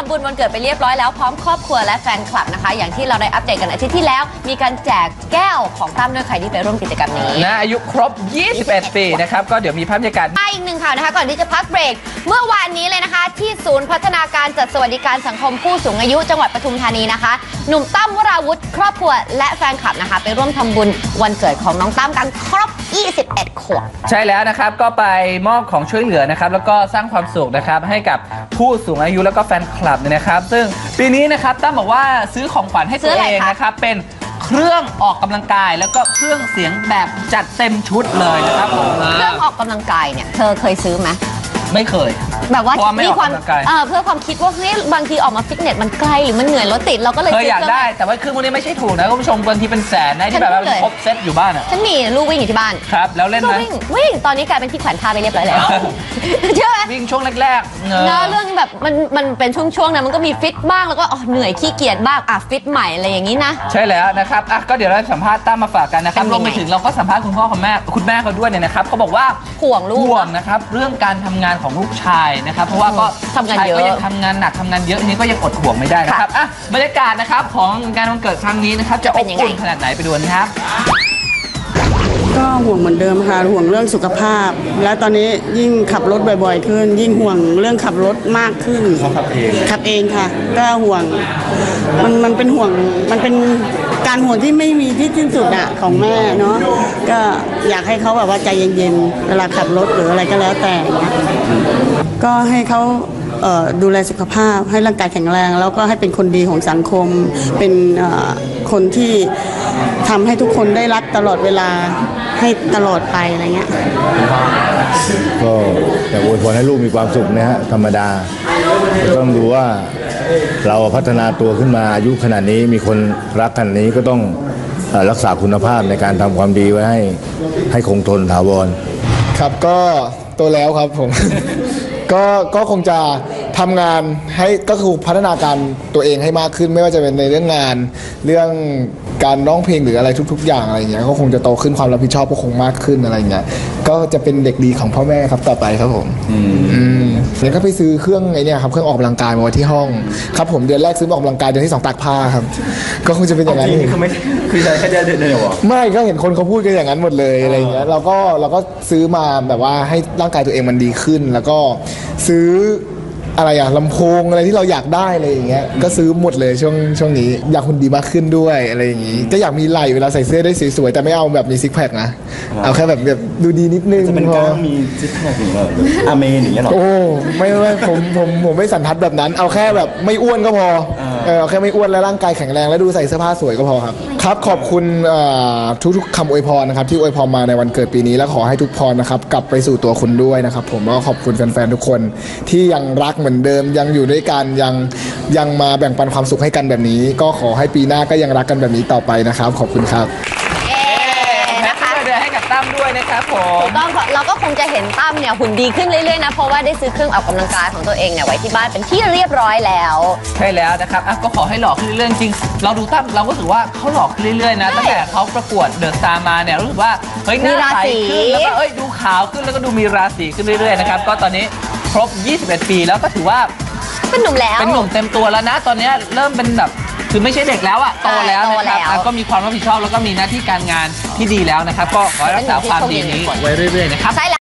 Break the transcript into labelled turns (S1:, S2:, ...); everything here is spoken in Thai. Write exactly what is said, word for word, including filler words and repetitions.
S1: ำบุญวันเกิดไปเรียบร้อยแล้วพร้อมครอบครัวและแฟนคลับนะคะอย่างที่เราได้อัปเดตกันอาทิตย์ที่แล้วมีการแจกแก้วของตั้มด้วยใครที่ไปร่วมกิจกรรมนี้
S2: นะอายุครบยี่สิบเอ็ดปีนะครับก็เดี๋ยวมีภาพบรรยากาศ
S1: อีกหนึ่งข่าวนะคะก่อนที่จะพักเบรกเมื่อวานนี้เลยนะคะที่ศูนย์พัฒนาการจัดสวัสดิการสังคมผู้สูงอายุจังหวัดปทุมธานีนะคะหนุ่มตั้มวราวุธครอบครัวและแฟนคลับนะคะไปร่วมทำบุญวันเกิดของน้องตั้มกันครบยี่สิบเอ็ดขวบ
S2: ใช่แล้วนะครับก็ไปมอบของช่วยเหลือนะครับแล้วก็สร้างความสุขนะครับให้กับผู้สูงอายุแล้วก็แฟนคลับเนี่ยนะครับซึ่งปีนี้นะครับตั้มบอกว่าซื้อของขวัญให้ตัวเองนะครับเป็นเครื่องออกกำลังกายแล้วก็เครื่องเสียงแบบจัดเต็มชุดเลยนะครับผม
S1: เครื่องออกกำลังกายเนี่ยเธอเคยซื้อไหม
S2: ไม่เคย
S1: แบบว่ามีความเออเพื่อความคิดว่าเฮ้ยบางทีออกมาฟิตเนสมันไกลหรือมันเหนื่อยรถติดเราก็เลย
S2: เคยอยากได้แต่ว่าเครื่องพวกนี้ไม่ใช่ถูกนะคุณผู้ชมบางทีเป็นแสนนะที่แบบว่าครบเซตอยู่บ้านอ่ะ
S1: ฉันมีลูกวิ่งอยู่ที่บ้าน
S2: ครับแล้วเล่นไหม
S1: วิ่งวิ่งตอนนี้กลายเป็นที่แขวนท่าไปเรียบร้อยแล้วเชื่อไหม
S2: วิ่งช่วงแรกๆเ
S1: นอะเรื่องแบบมันมันเป็นช่วงๆนะมันก็มีฟิตบ้างแล้วก็อ๋อเหนื่อยขี้เกียจบ้างอ่ะฟิตใหม่อะไรอย่างนี้นะ
S2: ใช่แล้วนะครับอ่ะก็เดี๋ยวเราสัมภาษณ์ตั้มมาฝากกันนะครับรวมไปถึงเราก็สัมภาษณ์คุณพ่อคุณแม่คุณแม่เขาด้วยเนี่ยนะครับเขาบอกว่า
S1: ห่วงลูก
S2: ห่วงนะครับเรื่องการทำงานของลูกชายนะครับเพราะว่าก็
S1: ทำงานเยอะ
S2: ก็ยังทำงานหนักทำงานเยอะนี้ก็ยังอดห่วงไม่ได้นะครับอ่ะบรรยากาศนะครับของงานวันเกิดครั้งนี้นะครับจะอบอุ่นขนาดไหนไปดูนะครับ
S3: ก็ห่วงเหมือนเดิมค่ะห่วงเรื่องสุขภาพและตอนนี้ยิ่งขับรถบ่อยๆขึ้นยิ่งห่วงเรื่องขับรถมากขึ้น
S2: เขาขับเอง
S3: ขับเองค่ะก็ห่วงมันมันเป็นห่วงมันเป็นการห่วงที่ไม่มีที่สิ้นสุดอะของแม่เนาะก็อยากให้เขาแบบว่าใจเย็นๆเวลาขับรถหรืออะไรก็แล้วแต่ก็ให้เขาดูแลสุขภาพให้ร่างกายแข็งแรงแล้วก็ให้เป็นคนดีของสังคมเป็นคนที่ทำให้ทุกคนได้รักตลอดเวลาให้ตลอดไปอะไรเงี้ย
S4: ก็แต่อวยพรให้ลูกมีความสุขนะฮะธรรมดาต้องดูว่าเราพัฒนาตัวขึ้นมาอายุขนาดนี้มีคนรักขนาดนี้ก็ต้องรักษาคุณภาพในการทำความดีไว้ให้ให้คงทนถาวร
S5: ครับก็โตแล้วครับผม ก็ก็คงจะทำงานให้ก็คือพัฒนาการตัวเองให้มากขึ้นไม่ว่าจะเป็นในเรื่องงานเรื่องการร้องเพลงหรืออะไรทุกๆอย่างอะไรอย่างเงี้ยก็คงจะโตขึ้นความรับผิดชอบก็คงมากขึ้นอะไรอย่างเงี้ยก็จะเป็นเด็กดีของพ่อแม่ครับต่อไปครับผมอืมแล้วก็ไปซื้อเครื่องไอ้นี่ครับเครื่องออกกำลังกายมาไว้ที่ห้องครับผมเดือนแรกซื้อออกกำลังกายเดือนที่สองตากผ้าครับก็คงจะเป็นอย่างนั้น
S2: คือไม่คือใช้แค่เดือนเดียวหรอ
S5: ไม่ก็เห็นคนเขาพูดกันอย่างนั้นหมดเลยอะไรอย่างเงี้ยเราก็เราก็ซื้อมาแบบว่าให้ร่างกายตัวเองมันดีขึ้นแล้วก็ซื้ออะไรอะลำโพงอะไรที่เราอยากได้อะไรอย่างเงี้ยก็ซื้อหมดเลยช่วงช่วงนี้อยากหุ่นดีมากขึ้นด้วยอะไรอย่างงี้ก็อยากมีไหล่เวลาใส่เสื้อได้สวยๆแต่ไม่เอาแบบมีซิกแพคนะเอาแค่แบบแบบดูดีนิดนึง
S6: จะเป็นกล้ามมีซิกแพคอย่างเงี้ยอาเมนอย่างเงี้ยหรอ
S5: โอ้ไม่ไม่ผมผมผมไม่สันทัดแบบนั้นเอาแค่แบบไม่อ้วนก็พอเออเอาแค่ไม่อ้วนและร่างกายแข็งแรงและดูใส่เสื้อผ้าสวยก็พอครับครับขอบคุณทุกๆคำอวยพรนะครับที่อวยพรมาในวันเกิดปีนี้และขอให้ทุกพรนะครับกลับไปสู่ตัวคุณด้วยนะครับผมแล้วก็ขอบคุณแฟนๆทุกคนที่ยังรักเหมือนเดิมยังอยู่ด้วยกันยังยังมาแบ่งปันความสุขให้กันแบบนี้ก็ขอให้ปีหน้าก็ยังรักกันแบบนี้ต่อไปนะครับขอบคุณครับ
S2: นะคะเดือนให้กับตั้มด้วยนะครับผม
S1: ถูกต้องเราก็คงจะเห็นตั้มเนี่ยหุ่นดีขึ้นเรื่อยๆนะเพราะว่าได้ซื้อเครื่องออกกำลังกายของตัวเองเนี่ยไว้ที่บ้านเป็นที่เรียบร้อยแล้ว
S2: ใช่แล้วนะครับก็ขอให้หล่อขึ้นเรื่อยๆจริงเราดูตั้มเราก็รู้สึกว่าเขาหล่อขึ้นเรื่อยๆนะตั้งแต่เขาประกวดเดอะสตาร์มาเนี่ยรู้สึกว่าเฮ้ยหน้าใสขึ้นแล้วก็เอ้ยดูขาวขึ้นแล้วก็ดูมีราศีขึ้นเรื่อยๆนะครับก็ตอนนี้ครบยี่สิบเอ็ดปีแล้วก็ถือว่า
S1: เป็นหนุ่มแล้ว
S2: เป็นหนุ่มเต็มตัวแล้วนะตอนนี้เริ่มเป็นแบบคือไม่ใช่เด็กแล้วอะโตแล้วนะครับก็มีความรับผิดชอบแล้วก็มีหน้าที่การงานที่ดีแล้วนะครับก็ขอรักษาความดีนี้ไว้เรื่อยๆนะครับ